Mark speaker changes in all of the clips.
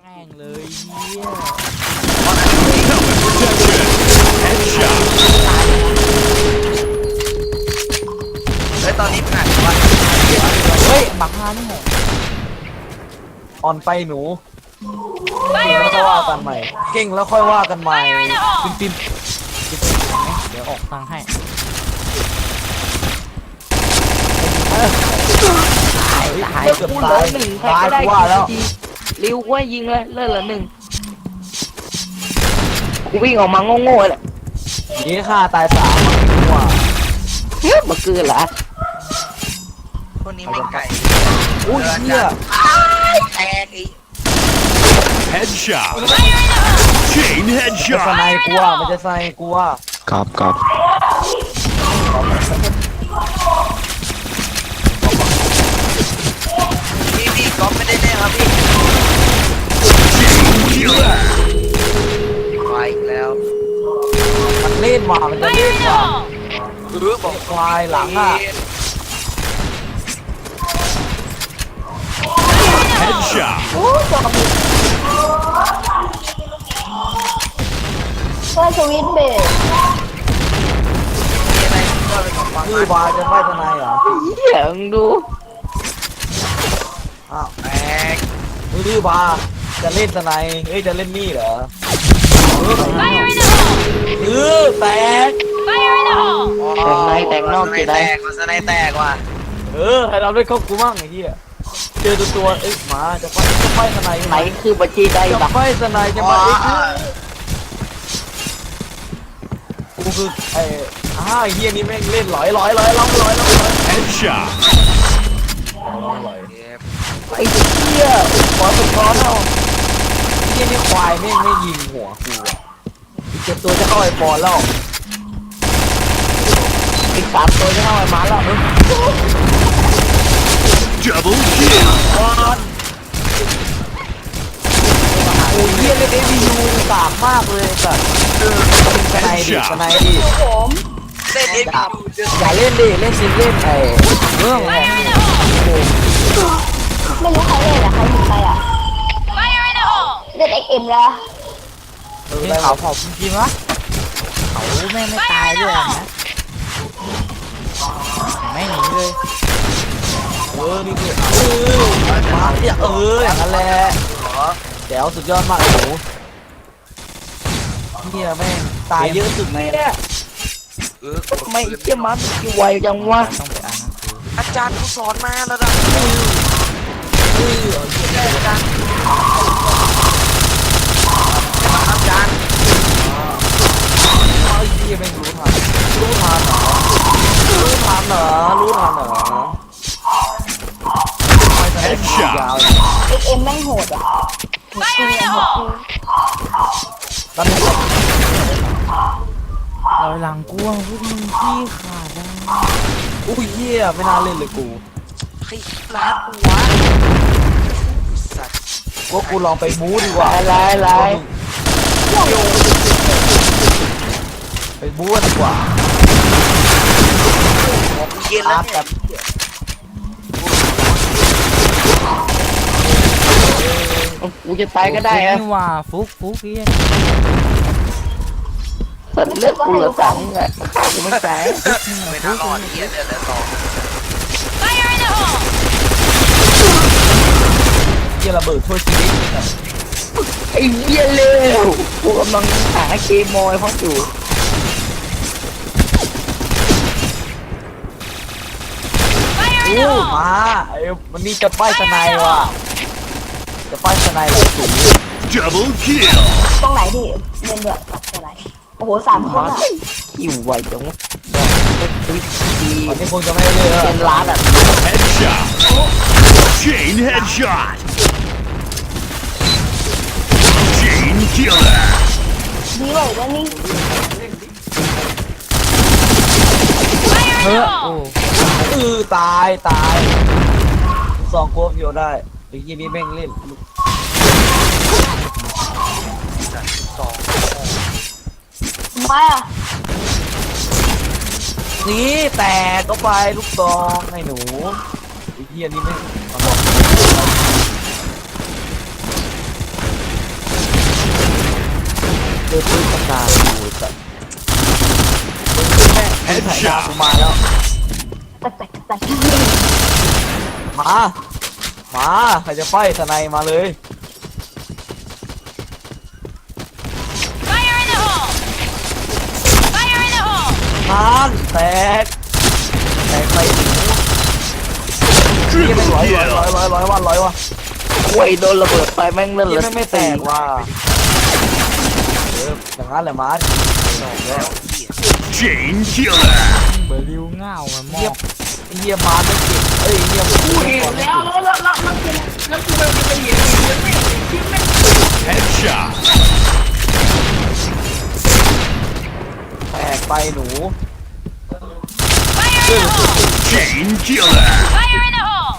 Speaker 1: ม่งเลยเฮีย
Speaker 2: Headshot.
Speaker 3: เฮ้ยตอนนี้ผ่านวัน
Speaker 1: เฮ้ยบักฮานี่ไง
Speaker 4: อ่อนไปหนูเก่งแล้วค่อยว่ากันใหม่เก่งแล้วค่อยว่ากันใหม่ปิน
Speaker 1: เดี๋ยวออกตังค์ให้
Speaker 4: ตายเกือบตายตายกูว่าแล้ว
Speaker 5: ริวกูให้ยิงเลยเลิศละหนึ่งกูวิ่งออกมาโง่ๆเลย
Speaker 4: นี่ฆ่าตาย3ว่า
Speaker 5: เฮ้ยมาเกินละ
Speaker 3: คนนี้ไม่ไก่
Speaker 4: อุ้ยเหี้ย
Speaker 3: แตกอีก
Speaker 2: Headshot. Chain
Speaker 4: มันจะส
Speaker 2: headshot.
Speaker 4: ไนกูว่ามันจะสไนกูว่า
Speaker 6: ครับ
Speaker 3: พี่ก๊อฟไม่ได้แน่ครับพี่
Speaker 2: Killer.
Speaker 3: ควายอีกแล้ว
Speaker 4: มันเล่นว่ะมันจะเล่นว่ะ
Speaker 3: บอก
Speaker 4: ควายหลังอ่ะ
Speaker 2: Headshot.
Speaker 7: เพื่อสวิตช์เบรก
Speaker 3: มีอะไรก็เป็นของฟัง
Speaker 4: คือวายจะไม่สไนเหรอ
Speaker 5: เหี้ยมึงดู
Speaker 4: อ้าว
Speaker 3: แตก
Speaker 4: มือบาจะเล่นสไนเอ้ยจะเล่นนี่เหรอแตก
Speaker 5: แต่งนอกกี่
Speaker 3: แต
Speaker 5: ได้
Speaker 3: กมันสไนแตกว่ะ
Speaker 4: ให้เราได้เข้ากูมั่งไอ้เหี้ยเจอตัวเอ้ยหมาจะไฟสไน
Speaker 5: ไหนคือบัญชีได้
Speaker 4: จะ
Speaker 5: บัก
Speaker 4: ไฟสไนจะมากูคือไอ้ไอ้เหี้ยนี่แม่งเล่นร้อย
Speaker 2: Headshot.
Speaker 5: ไอ้เหี้ยขอสุดคอเนาะ
Speaker 4: เหี้ยนี่ควายแม่งไม่ยิงหัวกูอ่ะอีก7ตัวจะเข้าไอ้ปอนแล้ว
Speaker 5: อีก3ตัวจะเข้าไปมาแล้ว
Speaker 2: Double kill.
Speaker 4: โอ้ยเหี้ยเล่น ABU กากมากเลยสัตว์สไนดิสไนดิ
Speaker 7: ผม
Speaker 3: เล่นเอ็ม
Speaker 4: อย่าเล่นดิเล่นซิงเล่นไอ้เรื่องของ
Speaker 7: ไม่รู้ใครเล่นอะใครยิงไปอะเล่น XM แล้ว
Speaker 1: นี่เขาเผาจริงๆวะเขาแม่งไม่ตายด้วยนะไม่หนีเลย
Speaker 4: นี่คือมาเนี่ยอย่างนั้นแหละแจ๋วสุดยอดมากหนูเฮียแม่งตายเยอะสุดใน
Speaker 5: เนี่ยทำไมไอ้เหี้ยมันกี่ไวจังวะ
Speaker 1: ต้องไปอ่านหนังสือ
Speaker 3: อาจารย์กูสอนมาแล้วนะอาจารย์
Speaker 4: ไอ้เฮียแม่งรู้ทันเหรอ
Speaker 2: Headshot.
Speaker 4: ยาว
Speaker 7: XM แม่งโหดอะโหดจริงอะโหดจริง
Speaker 4: ตั้งแต่
Speaker 1: เราหลังกลัวพวกมึงขี้ขาดนะ
Speaker 4: อุ้ยเฮียไม่น่าเล่นเลยกู
Speaker 3: ใครร้านกูวะสัตว์
Speaker 4: ว่ากูลองไปมูดีกว่า
Speaker 5: ลาย
Speaker 4: ไปบู๊ดีกว่า
Speaker 3: ผมเย็นแล้
Speaker 4: อาว ร์ต
Speaker 3: เนี่
Speaker 4: แบ
Speaker 3: ย
Speaker 4: บ
Speaker 5: กูจะตายก็ได้อะ
Speaker 1: นี่ว่าฟุกเฮีย
Speaker 5: สัตว์เลือดกูเหลือ3อ่ะฆ่ากูไม่ตาย
Speaker 3: ไม่น่ารอดเย็นเดือดสอง
Speaker 4: เฮียระเบิดช่วยชีวิต
Speaker 5: ไอ้เหี้ยเร็วกูกำลังหาเกมมอยเขาอยู่
Speaker 4: อู้มาไอ้มันนี่จะป้ายสไนว่ะจะป้ายสไนเลยสูง
Speaker 2: Double kill.
Speaker 7: ตรงไหนดิเล่นด้วยตรงไหนโอ้โห3 คน
Speaker 5: มา
Speaker 7: อะ
Speaker 5: อยู่ไวจังวะดี
Speaker 4: วันนี้คงจะไม่ได้เลย
Speaker 5: เป็นล้านอ่ะ
Speaker 2: Headshot. Chain headshot. Chain killer.
Speaker 7: ดีเลยแล้วนี่
Speaker 1: เฮ้อโอ้
Speaker 4: ตาย2 โกฟโยได้ไอ้ยี่นี่แม่งเล่น
Speaker 7: ไม่อะ
Speaker 4: นี่แต่ก็ไปลูกซองให้หนูไอ้เหี้ยนี่ไม่เจอปืนตั้งนานอยู่แต่ปืนแม่ปืนถ่ายดาวกูมาแล้ว
Speaker 7: แต่
Speaker 4: มาใครจะไฟทนายมาเลย
Speaker 6: Fire in the hole! Fire in the hole!
Speaker 4: นานแตกไปเยี่ยไม่
Speaker 2: Triple
Speaker 4: ร้อย
Speaker 2: kill.
Speaker 4: ว่ะ
Speaker 5: โอ้ยโดนระเบิดไปแม่งเลื่อน
Speaker 4: เยี่
Speaker 5: เลย
Speaker 4: ไม่แตกว่ะอย่างนั้นแหละมาร์
Speaker 2: Chain killer.
Speaker 1: เบอร์ริวเง่ามันม
Speaker 4: เยี่ย
Speaker 1: อก
Speaker 4: เยี่ยมาร์ไม่เก็บเยี่ย
Speaker 3: กูเห็นแล้วแล้วกูมันจะเห็นยังไม่คิดไม่
Speaker 2: Headshot.
Speaker 4: แตกไปหนู
Speaker 6: Fire in the hole!
Speaker 2: Chain killer.
Speaker 6: Fire in the hole!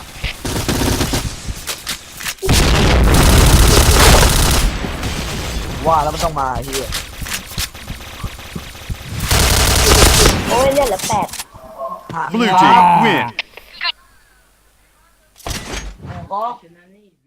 Speaker 4: ว่าแล้วมันต้องมาเฮีย
Speaker 7: โอ้ยเลือดเหลือ8
Speaker 2: Blue team win.
Speaker 3: ก็